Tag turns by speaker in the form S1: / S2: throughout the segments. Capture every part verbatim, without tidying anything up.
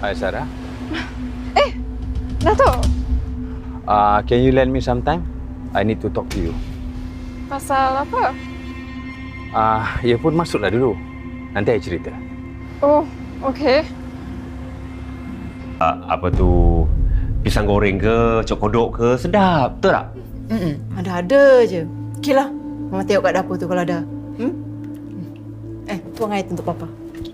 S1: Hi, Sarah.
S2: Eh, Dato'.
S1: Uh, can you lend me some time? I need to talk to you.
S2: Pasal apa?
S1: Ah, uh, ya pun masuklah dulu. Nanti saya cerita.
S2: Oh, okey.
S3: Uh, apa tu? Pisang goreng ke, cok kodok ke, sedap. Betul tak?
S4: Mm-mm. Ada-ada je. Okeylah. Mama tengok kat dapur tu kalau ada. Hmm? Eh, tuang air tu untuk Papa.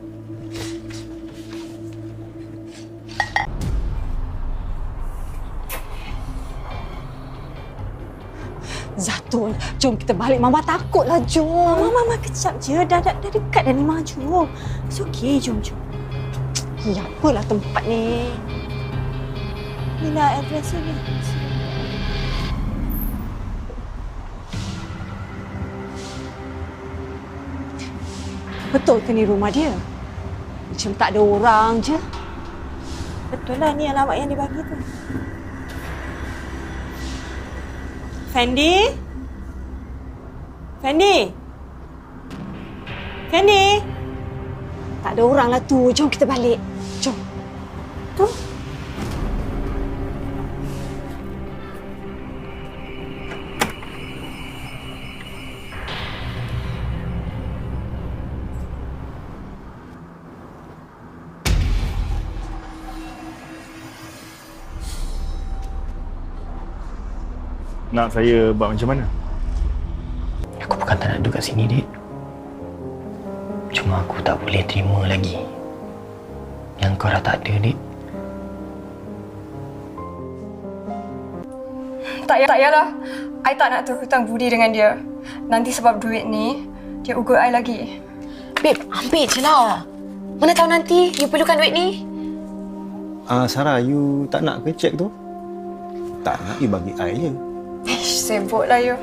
S5: Zatul, jom kita balik. Mama takutlah, jom. Mama, Mama kejap je. Dah, dah, dah dekat dah ni, maju. It's okay, jom, jom. Ya, apalah tempat ni. Inilah address ni. Betul ke ni rumah dia? Macam tak ada orang je. Betul lah, ni alamat yang dibagi tu. Fendi? Fendi? Fendi? Tak ada orang lah tu. Jom kita balik. Jom. Tu.
S6: Nak saya buat macam mana?
S7: Aku bukan tak nak duduk kat sini, Dik. Cuma aku tak boleh terima lagi yang kau dah tak ada, Dik.
S2: Tak payah, tak payahlah. I tak nak terhutang budi dengan dia. Nanti sebab duit ni, dia ugut I lagi.
S8: Babe, ambil je lah. Mana tahu nanti you perlukan duit ni.
S9: Ah, uh, Sarah, you tak nak ke cek tu? Tak nak, you bagi I je.
S2: Ish, sibuklah you.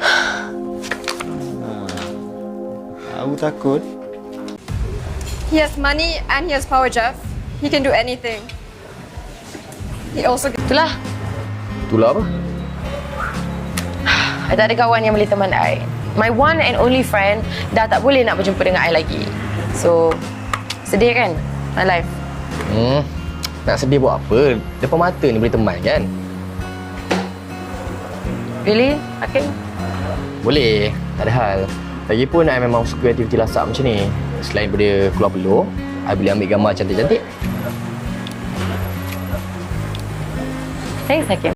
S9: Aku takut.
S2: He has money and he has power, Jeff. He can do anything. He also...
S8: Itulah.
S1: Itulah apa?
S8: I tak ada kawan yang boleh teman I. My one and only friend dah tak boleh nak berjumpa dengan I lagi. So, sedih kan? My life.
S7: Hmm, nak sedih buat apa? Depan mata ni boleh teman kan?
S8: Really? Hakim?
S7: Boleh, tak ada hal. Lagipun I memang suka aktiviti lasak macam ni. Selain daripada keluar peluh, I boleh ambil gambar cantik-cantik.
S8: Thanks, Hakim.